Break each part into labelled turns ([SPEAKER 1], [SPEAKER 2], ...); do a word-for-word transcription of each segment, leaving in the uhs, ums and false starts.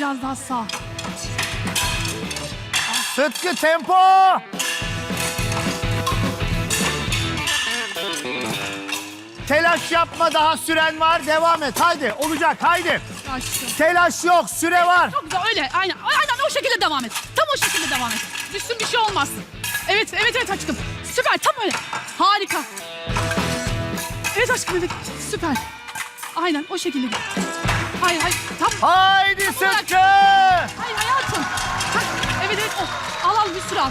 [SPEAKER 1] biraz daha sağ.
[SPEAKER 2] Sıtkı tempo. Telaş yapma, daha süren var. Devam et. Haydi, olacak. Haydi.
[SPEAKER 1] Aşkım.
[SPEAKER 2] Telaş yok, süre var.
[SPEAKER 1] Çok güzel, öyle. Aynen. Aynen o şekilde devam et. Tam o şekilde devam et. Düşsün bir şey olmaz. Evet, evet, evet aşkım. Süper, tam öyle. Harika. Evet aşkım, evet. Süper. Aynen o şekilde git. Hayır, hayır. Tam.
[SPEAKER 2] Haydi Sıtkı.
[SPEAKER 1] Hayır hayatım. Hah, evet, evet. O. Al al bir sürü al.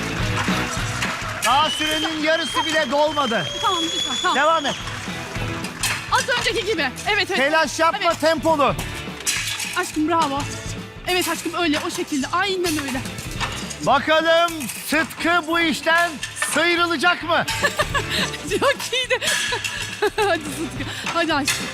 [SPEAKER 2] Daha sürenin yarısı bile dolmadı.
[SPEAKER 1] Tamam, lütfen. Tamam.
[SPEAKER 2] Devam et.
[SPEAKER 1] Az önceki gibi. Evet, evet.
[SPEAKER 2] Telaş yapma,
[SPEAKER 1] Evet.
[SPEAKER 2] tempolu.
[SPEAKER 1] Aşkım bravo. Evet aşkım öyle, o şekilde. Aynen öyle.
[SPEAKER 2] Bakalım Sıtkı bu işten sıyrılacak mı?
[SPEAKER 1] Çok iyiydi. Hadi Sıtkı. Hadi aşkım.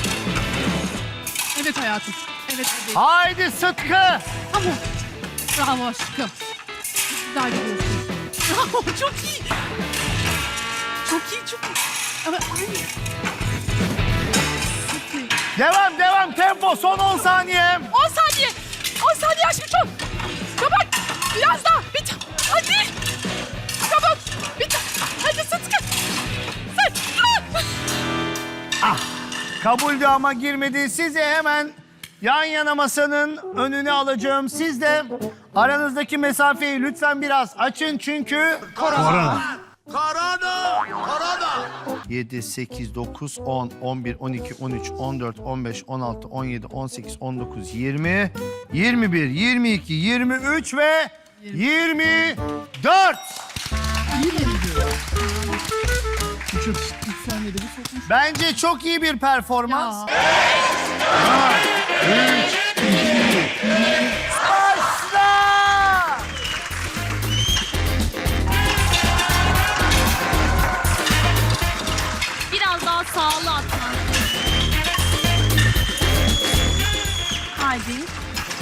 [SPEAKER 1] Evet hayatım. Evet hadi.
[SPEAKER 2] Haydi Sıtkı.
[SPEAKER 1] Tamam. Bravo aşkım. Güzel gidiyorsun. Bravo, çok iyi. Çok iyi, çok iyi. Evet, aynı. Çok iyi.
[SPEAKER 2] Devam, devam. Tempo. Son on saniye.
[SPEAKER 1] on saniye. on saniye aşkım çok. Çabuk. Biraz daha. Bir ta- Hadi. Çabuk. Bir ta- Hadi Sıtkı. Sıtkı.
[SPEAKER 2] Ah, kabuldü ama girmedi. Sizi hemen yan yana masanın önüne alacağım. Siz de aranızdaki mesafeyi lütfen biraz açın çünkü...
[SPEAKER 3] Korona.
[SPEAKER 4] Korona! Korona!
[SPEAKER 2] yedi, sekiz, dokuz, on, on bir, on iki, on üç, on dört, on beş, on altı, on yedi, on sekiz, on dokuz, yirmi, yirmi bir, yirmi iki, yirmi üç ve yirmi dört. Bence çok iyi bir performans.
[SPEAKER 1] Ya.
[SPEAKER 2] Başla!
[SPEAKER 5] Biraz daha sağlı atman. Haydi.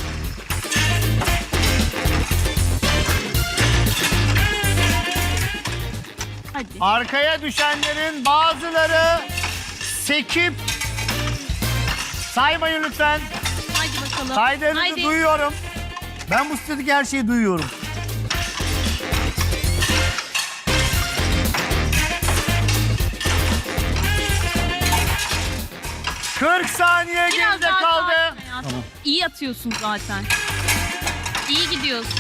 [SPEAKER 5] Hadi.
[SPEAKER 2] Arkaya düşenlerin bazıları sekip saymayın lütfen.
[SPEAKER 5] Haydi bakalım.
[SPEAKER 2] Saydığınızı
[SPEAKER 5] Haydi.
[SPEAKER 2] duyuyorum. Ben bu sitedeki her şeyi duyuyorum. kırk saniye
[SPEAKER 5] Biraz
[SPEAKER 2] geride
[SPEAKER 5] daha
[SPEAKER 2] kaldı.
[SPEAKER 5] sakin hayatım. İyi atıyorsun zaten. İyi gidiyorsun.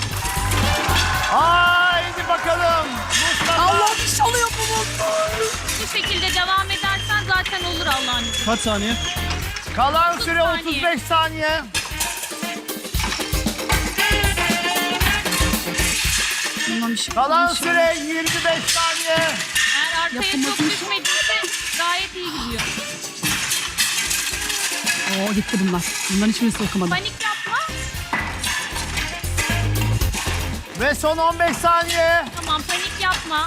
[SPEAKER 2] Haydi bakalım. Mustafa.
[SPEAKER 1] Allah bir şey oluyor bu.
[SPEAKER 5] Bu şekilde devam edersen zaten olur Allah'ın izniyle.
[SPEAKER 3] Kaç saniye?
[SPEAKER 2] Kalan
[SPEAKER 5] otuz
[SPEAKER 2] süre
[SPEAKER 5] saniye.
[SPEAKER 2] otuz beş saniye.
[SPEAKER 1] Tamam, bir şey
[SPEAKER 2] Kalan
[SPEAKER 1] bir şey
[SPEAKER 2] süre yirmi beş saniye.
[SPEAKER 5] Eğer arkaya çok
[SPEAKER 1] Yapamadım.
[SPEAKER 5] düşmediyse gayet iyi gidiyor.
[SPEAKER 1] Oo gitti bunlar. Bunların hiçbirisini okumadım.
[SPEAKER 5] Panik yapma.
[SPEAKER 2] Ve son on beş saniye.
[SPEAKER 5] Tamam panik yapma.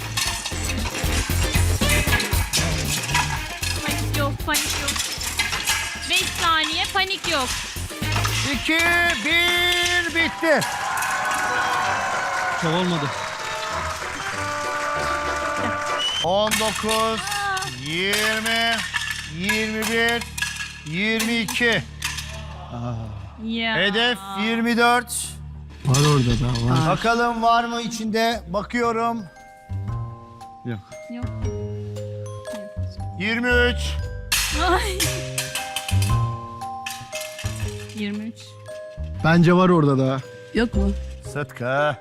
[SPEAKER 5] Panik yok, panik yok. beş saniye panik yok.
[SPEAKER 2] iki, bir, bitti.
[SPEAKER 3] Çok olmadı.
[SPEAKER 2] on dokuz, yirmi, yirmi bir, yirmi iki.
[SPEAKER 5] Ya.
[SPEAKER 2] Hedef yirmi dört.
[SPEAKER 3] Var orada da var.
[SPEAKER 2] Bakalım var mı içinde? Bakıyorum.
[SPEAKER 3] Yok.
[SPEAKER 5] Yok.
[SPEAKER 2] yirmi üç.
[SPEAKER 5] Ay. yirmi üç.
[SPEAKER 3] Bence var orada da.
[SPEAKER 1] Yok mu?
[SPEAKER 2] Sıtkı.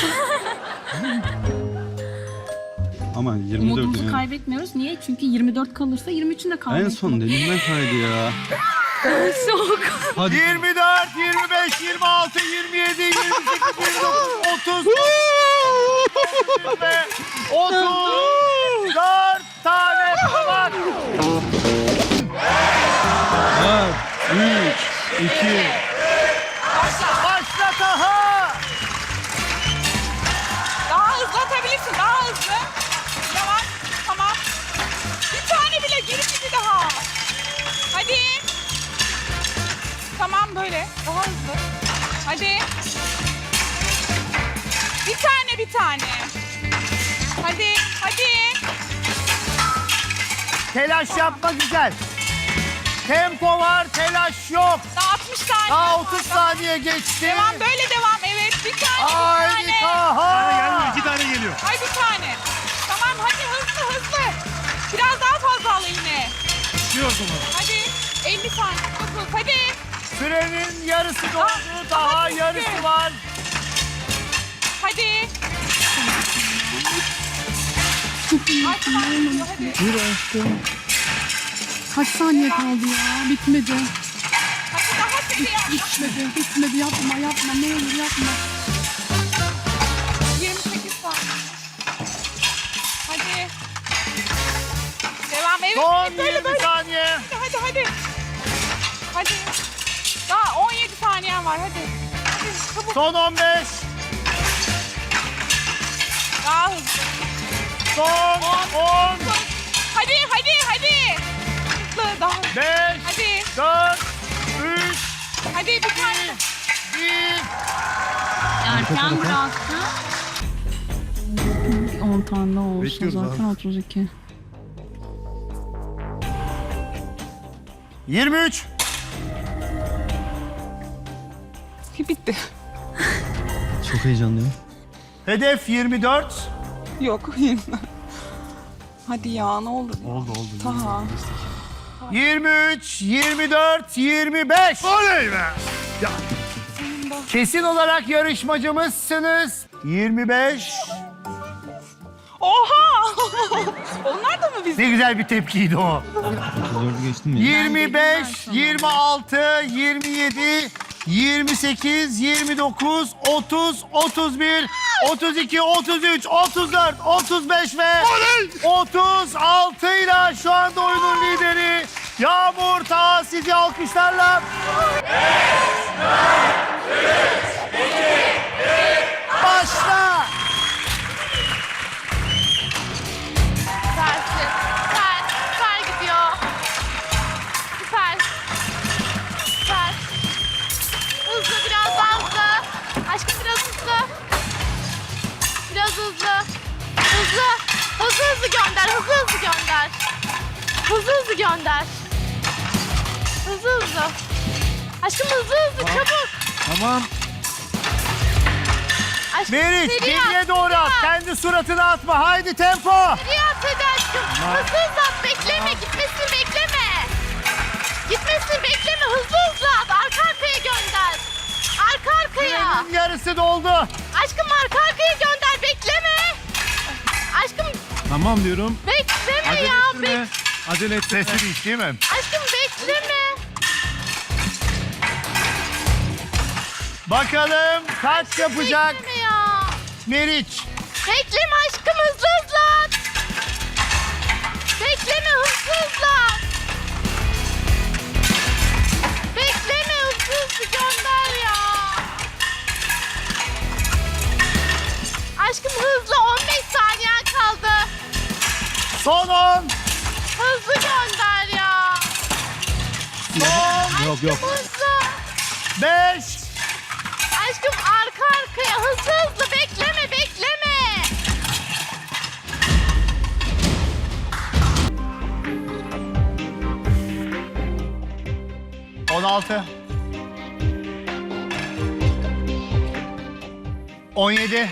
[SPEAKER 3] Ama yirmi dört
[SPEAKER 5] Umudumuzu
[SPEAKER 3] yani.
[SPEAKER 5] kaybetmiyoruz. Niye? Çünkü yirmi dört kalırsa yirmi üçün de
[SPEAKER 3] En
[SPEAKER 5] kaybetmiyoruz.
[SPEAKER 3] son elimden kaydı ya.
[SPEAKER 5] Soğuk.
[SPEAKER 3] Hadi.
[SPEAKER 2] yirmi dört, yirmi beş, yirmi altı, yirmi yedi, yirmi sekiz, yirmi dokuz, otuz ve otuz dört tane var.
[SPEAKER 3] Dört, üç, iki.
[SPEAKER 2] Başla Taha.
[SPEAKER 6] Daha hızlı atabilirsin, daha hızlı. Yavaş, tamam. Bir tane bile, geri bir daha. Hadi. Tamam böyle, daha hızlı. Hadi. Bir tane, bir tane. Hadi, hadi.
[SPEAKER 2] Telaş yapma, güzel. Tempo var, telaş yok.
[SPEAKER 6] Daha altmış saniye.
[SPEAKER 2] Daha
[SPEAKER 6] var.
[SPEAKER 2] otuz saniye geçti.
[SPEAKER 6] Devam böyle devam. Evet bir tane bir
[SPEAKER 2] Haydi
[SPEAKER 6] tane.
[SPEAKER 2] Taha.
[SPEAKER 3] İki tane geliyor.
[SPEAKER 6] Ay bir tane. Tamam hadi hızlı hızlı. Biraz daha fazla al eline.
[SPEAKER 3] Düşüyorsun mu?
[SPEAKER 6] Hadi elli saniye. Dokuz hadi.
[SPEAKER 2] Sürenin yarısı doldu.
[SPEAKER 6] Ah,
[SPEAKER 2] Daha
[SPEAKER 6] daha
[SPEAKER 2] yarısı
[SPEAKER 6] bitti.
[SPEAKER 2] var.
[SPEAKER 6] Hadi. Ay, tamam, hadi.
[SPEAKER 1] Kaç saniye kaldı ya? Bitmedi.
[SPEAKER 6] Hadi daha hızlı yap.
[SPEAKER 1] Bitmedi. Bitmedi. Yapma yapma. Ne olur yapma.
[SPEAKER 6] yirmi sekiz saniye. Hadi. Devam evet.
[SPEAKER 2] Son
[SPEAKER 6] evet, böyle
[SPEAKER 2] yirmi
[SPEAKER 6] böyle.
[SPEAKER 2] saniye.
[SPEAKER 6] Hadi hadi. Hadi. Daha on yedi saniyen var hadi. Hadi çabuk.
[SPEAKER 2] Son on beş.
[SPEAKER 6] Daha hızlı.
[SPEAKER 2] Son on.
[SPEAKER 6] Hadi hadi hadi. Hızlı daha hızlı.
[SPEAKER 2] beş.
[SPEAKER 6] Hadi.
[SPEAKER 2] dört. üç.
[SPEAKER 6] Hadi bir tane.
[SPEAKER 2] bir.
[SPEAKER 5] Erken bıraktı. on tane daha olsa
[SPEAKER 3] Bekliyoruz
[SPEAKER 5] zaten
[SPEAKER 3] abi.
[SPEAKER 5] otuz iki.
[SPEAKER 2] yirmi üç.
[SPEAKER 6] Bitti.
[SPEAKER 3] Çok heyecanlıyım.
[SPEAKER 2] Hedef yirmi dört.
[SPEAKER 6] Yok. Hadi ya ne olur.
[SPEAKER 3] Oldu oldu.
[SPEAKER 6] Taha.
[SPEAKER 2] yirmi üç, yirmi dört, yirmi beş. Oley be. Kesin olarak yarışmacımızsınız. yirmi beş.
[SPEAKER 6] Oha! Onlar da mı biz?
[SPEAKER 2] Ne güzel bir tepkiydi o.
[SPEAKER 3] otuz dördü geçtin mi?
[SPEAKER 2] yirmi beş,
[SPEAKER 5] Ben sana.
[SPEAKER 2] yirmi altı, yirmi yedi, yirmi sekiz, yirmi dokuz, otuz, otuz bir, otuz iki, otuz üç, otuz dört, otuz beş ve otuz altı ile şu anda oyunun lideri Yağmur Taha, sizi alkışlarla. Başla.
[SPEAKER 7] Süpersin. Süper. Süper gidiyor. Süper. Süper. Hızlı, biraz daha hızlı. Aşkım biraz hızlı. Biraz hızlı. Hızlı. Hızlı hızlı gönder. Hızlı hızlı gönder. Hızlı hızlı gönder. Hızlı hızlı. Aşkım hızlı hızlı çabuk.
[SPEAKER 3] Tamam.
[SPEAKER 7] Aşkım
[SPEAKER 2] Meriç,
[SPEAKER 7] seri
[SPEAKER 2] geriye
[SPEAKER 7] at,
[SPEAKER 2] doğru
[SPEAKER 7] seri
[SPEAKER 2] at.
[SPEAKER 7] at.
[SPEAKER 2] Kendi suratına atma. Haydi tempo.
[SPEAKER 7] Seri at hadi aşkım. Hızlı hızlı at. Bekleme. Gitmesini bekleme. Gitmesini bekleme. Hızlı hızlı at. Arka arkaya gönder. Arka arkaya.
[SPEAKER 2] Sürenin yarısı doldu.
[SPEAKER 7] Aşkım arka arkaya gönder. Bekleme. Aşkım
[SPEAKER 3] Tamam diyorum.
[SPEAKER 7] bekleme
[SPEAKER 3] Acele
[SPEAKER 7] ya.
[SPEAKER 3] ettirme.
[SPEAKER 7] Bek
[SPEAKER 3] Acele ettirme.
[SPEAKER 2] Sesi değil, değil mi?
[SPEAKER 7] aşkım bekleme.
[SPEAKER 2] Bakalım kaç yapacak
[SPEAKER 7] Bekleme ya.
[SPEAKER 2] Meriç.
[SPEAKER 7] Bekleme aşkım. Hızlı hızlı at. Bekleme. Hızlı hızlı at. Bekleme. Hızlı hızlı gönder ya. Aşkım hızlı. on beş saniyen kaldı.
[SPEAKER 2] Son on.
[SPEAKER 7] Hızlı gönder ya.
[SPEAKER 2] Son
[SPEAKER 3] Yok yok.
[SPEAKER 7] Hızlı.
[SPEAKER 2] beş.
[SPEAKER 7] Aşkım arka arkaya hızlı hızlı bekleme bekleme.
[SPEAKER 2] on altı. on yedi.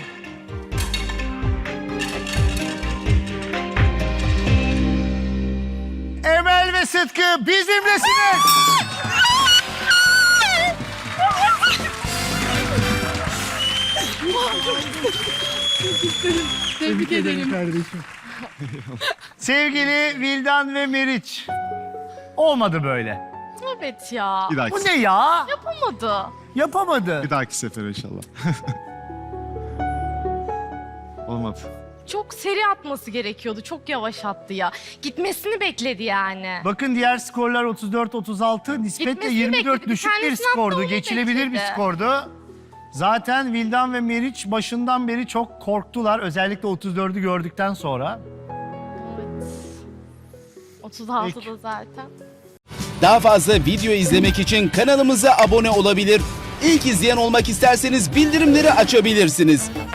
[SPEAKER 2] Emel ve Sıtkı bizimlesiniz.
[SPEAKER 1] Tebrik ederim.
[SPEAKER 3] Kardeşim.
[SPEAKER 2] Sevgili Vildan ve Meriç. Olmadı böyle.
[SPEAKER 7] Evet ya.
[SPEAKER 3] Bir dahaki,
[SPEAKER 2] Bu ne ya?
[SPEAKER 7] Yapamadı.
[SPEAKER 2] Yapamadı.
[SPEAKER 3] bir dahaki sefer inşallah. Olmadı.
[SPEAKER 7] Çok seri atması gerekiyordu. Çok yavaş attı ya. Gitmesini bekledi yani.
[SPEAKER 2] Bakın diğer skorlar otuz dört otuz altı. Nispetle
[SPEAKER 7] Gitmesini
[SPEAKER 2] yirmi dört
[SPEAKER 7] bekledi.
[SPEAKER 2] düşük bir
[SPEAKER 7] Kendisini attı,
[SPEAKER 2] skordu.
[SPEAKER 7] onu
[SPEAKER 2] Geçilebilir bir
[SPEAKER 7] bekledi.
[SPEAKER 2] skordu. Zaten Vildan ve Meriç başından beri çok korktular. Özellikle otuz dördü gördükten sonra.
[SPEAKER 7] Evet. otuz altıda zaten.
[SPEAKER 8] Daha fazla video izlemek için kanalımıza abone olabilir. İlk izleyen olmak isterseniz bildirimleri açabilirsiniz.